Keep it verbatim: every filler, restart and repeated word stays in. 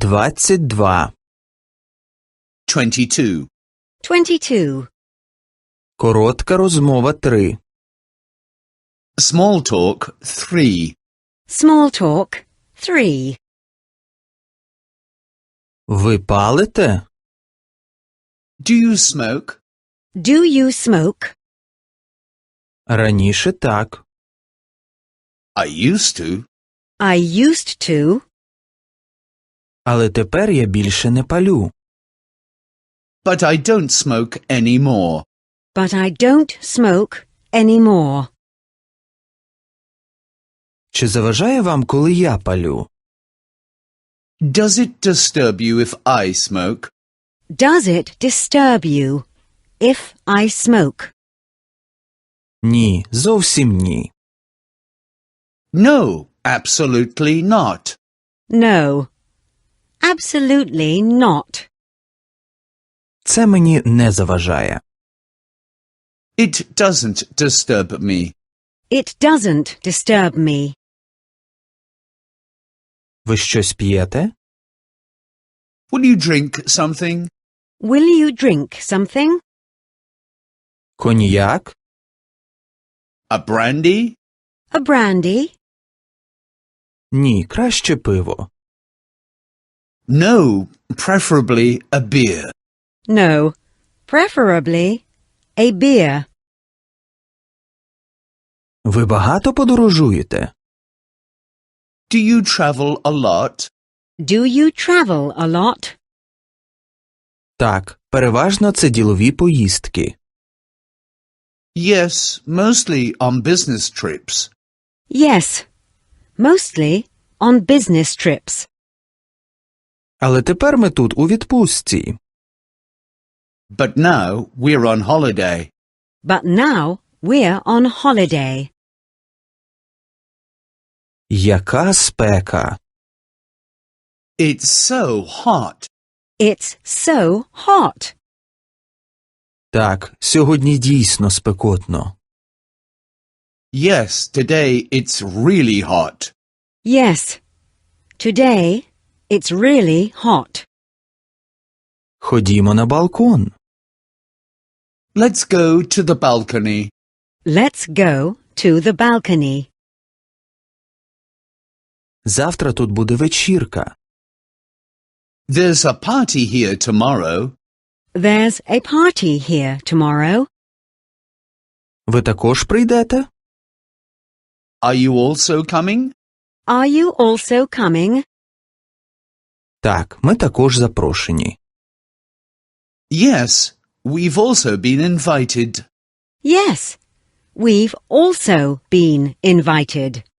Двадцять два. twenty-two. twenty-two. Коротка розмова три. Small talk, three. Small talk, three. Ви палите? Do you smoke? Do you smoke? Раніше так. I used to. I used to. Але тепер я більше не палю. But I don't smoke anymore. But I don't smoke anymore. Чи заважає вам, коли я палю? Does it disturb you if I smoke? Does it disturb you if I smoke? Ні, зовсім ні. No, absolutely not. No. Absolutely not. Це мені не заважає. It doesn't disturb me. It doesn't disturb me. Ви щось п'єте? Will you drink something? Will you drink something? Коньяк? A brandy? A brandy? Ні, краще пиво. No, preferably a beer. No. Preferably a beer. Ви багато подорожуєте? Do you travel a lot? Do you travel a lot? Так, переважно це ділові поїздки. Yes, mostly on business trips. Yes. Mostly on business trips. Але тепер ми тут у відпустці. But now we're on holiday. But now we're on holiday. Яка спека! It's so hot. It's so hot. Так, сьогодні дійсно спекотно. Yes, today it's really hot. Yes. Today it's really hot. Ходімо на балкон. Let's go to the balcony. Let's go to the balcony. Завтра тут буде вечірка. There's a party here tomorrow. There's a party here tomorrow. Ви також прийдете? Are you also coming? Are you also coming? Так, ми також запрошені. Yes, we've also been invited. Yes. We've also been invited.